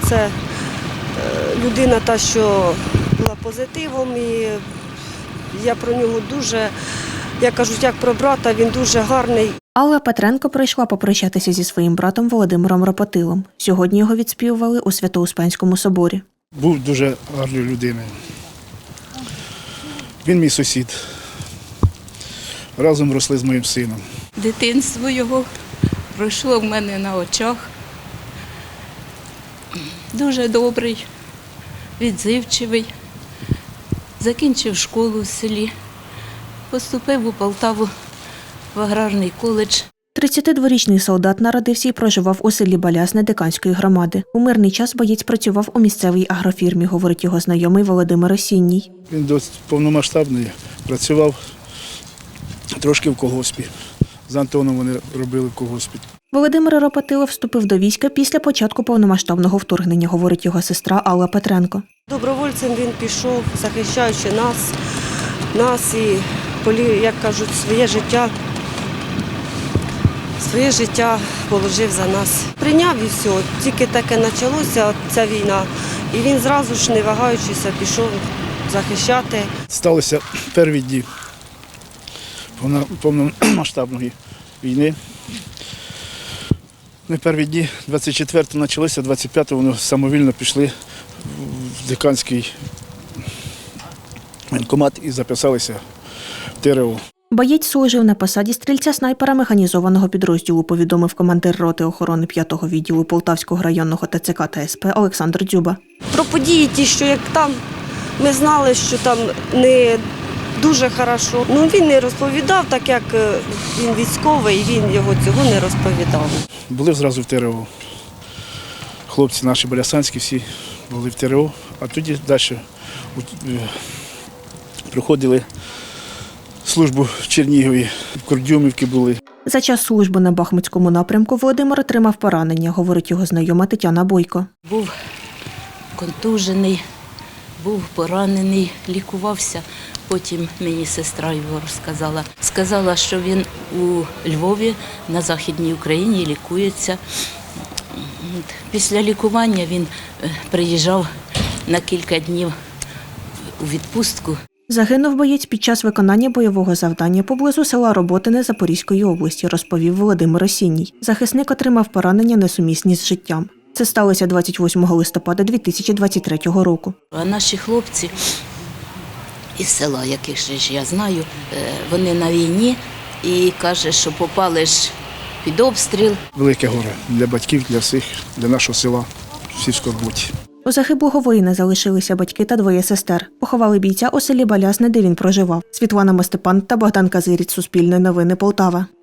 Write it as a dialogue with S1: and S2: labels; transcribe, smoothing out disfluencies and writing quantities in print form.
S1: це людина та, що була позитивом, і я про нього дуже, як кажуть, як про брата, він дуже гарний.
S2: Алла Петренко прийшла попрощатися зі своїм братом Володимиром Ропотилом. Сьогодні його відспівували у Свято-Успенському соборі.
S3: Був дуже гарною людиною. Він мій сусід. Разом росли з моїм сином.
S4: Дитинство його пройшло в мене на очах. Дуже добрий, відзивчивий. Закінчив школу в селі, поступив у Полтаву в аграрний коледж.
S2: 32-річний солдат народився і проживав у селі Балясне Диканської громади. У мирний час боєць працював у місцевій агрофірмі, говорить його знайомий Володимир Осінній.
S3: Він досить повномасштабний, працював трошки в колгоспі. З Антоном вони робили в колгоспі.
S2: Володимир Ропотило вступив до війська після початку повномасштабного вторгнення, говорить його сестра Алла Петренко.
S1: Добровольцем він пішов, захищаючи нас і, як кажуть, своє життя положив за нас. Прийняв і все, тільки таке почалося, ця війна, і він зразу ж, не вагаючися, пішов захищати.
S3: Сталося перві дні повномасштабної війни. Не перві дні, 24-го почалося, 25-го вони самовільно пішли в Диканський воєнкомат і записалися в ТРО.
S2: Боєць служив на посаді стрільця-снайпера механізованого підрозділу, повідомив командир роти охорони 5-го відділу Полтавського районного ТЦК та СП Олександр Дзюба.
S1: Про події ті, що як там, ми знали, що там не дуже хорошо. Він не розповідав, так як він військовий, він його цього не розповідав.
S3: Були зразу в ТРО. Хлопці наші балясанські всі були в ТРО, а тоді далі проходили службу в Чернігові, в Курдюмівці були.
S2: За час служби на Бахмутському напрямку Володимир отримав поранення, говорить його знайома Тетяна Бойко.
S4: Був контужений, був поранений, лікувався. Потім мені сестра його розказала. Сказала, що він у Львові, на Західній Україні, лікується. Після лікування він приїжджав на кілька днів у відпустку.
S2: Загинув боєць під час виконання бойового завдання поблизу села Роботине Запорізької області, розповів Володимир Осінній. Захисник отримав поранення несумісні з життям. Це сталося 28 листопада 2023 року.
S4: А наші хлопці із села, яких ж я знаю, вони на війні і каже, що попали ж під обстріл.
S3: Велике горе для батьків, для всіх, для нашого села, всі в скорботі.
S2: У загиблого воїна залишилися батьки та двоє сестер. Поховали бійця у селі Балясне, де він проживав. Світлана Мостепан та Богдан Казиріць, Суспільне новини, Полтава.